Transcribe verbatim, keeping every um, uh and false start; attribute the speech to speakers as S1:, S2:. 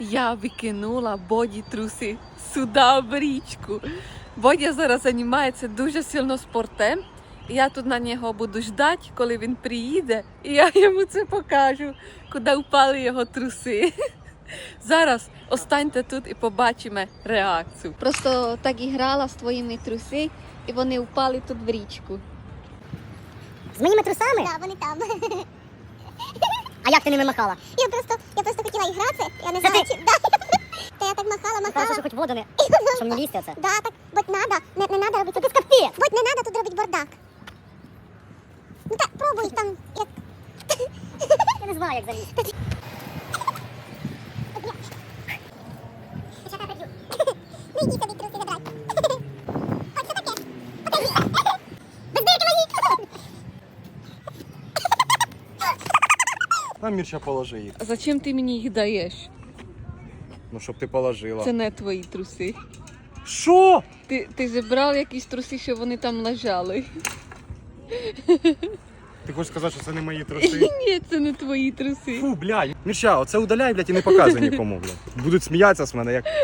S1: Я викинула Боді труси сюди в річку. Бодя зараз займається дуже сильно спортом. І я тут на нього буду ждати, коли він приїде, і я йому це покажу, куди впали його труси. Зараз останьте тут і побачимо реакцію. Просто так і грала з твоїми труси, і вони впали тут в річку.
S2: З моїми трусами?
S3: Да, вони там.
S2: А як ти ними махала?
S3: Я просто, я просто хотіла і гратися, я не
S2: Це
S3: знаю,
S2: ти?
S3: чи... Да. Та я так махала,
S2: Хорошо,
S3: махала.
S2: що хоч воду не... Щоб не лізти оце.
S3: Да, так, будь надо, не, не надо робити.
S2: Це капець!
S3: Будь не надо тут робити бардак. Ну так, пробуй там, як...
S2: Я не знаю, як залізти.
S3: Ну йди собі труси забрати. Ось це таке. Покажи. Без дирки мої.
S4: На, Мірча, положи їх.
S1: А зачем ти мені їх даєш?
S4: Ну, щоб ти положила.
S1: Це не твої труси.
S4: Що?
S1: Ти, ти зібрав якісь труси, що вони там лежали.
S4: Ти хочеш сказати, що це не мої труси?
S1: Ні, це не твої труси.
S4: Фу, блядь. Мірча, оце удаляй, блядь, і не показуй нікому, блядь. Будуть сміятися з мене, як...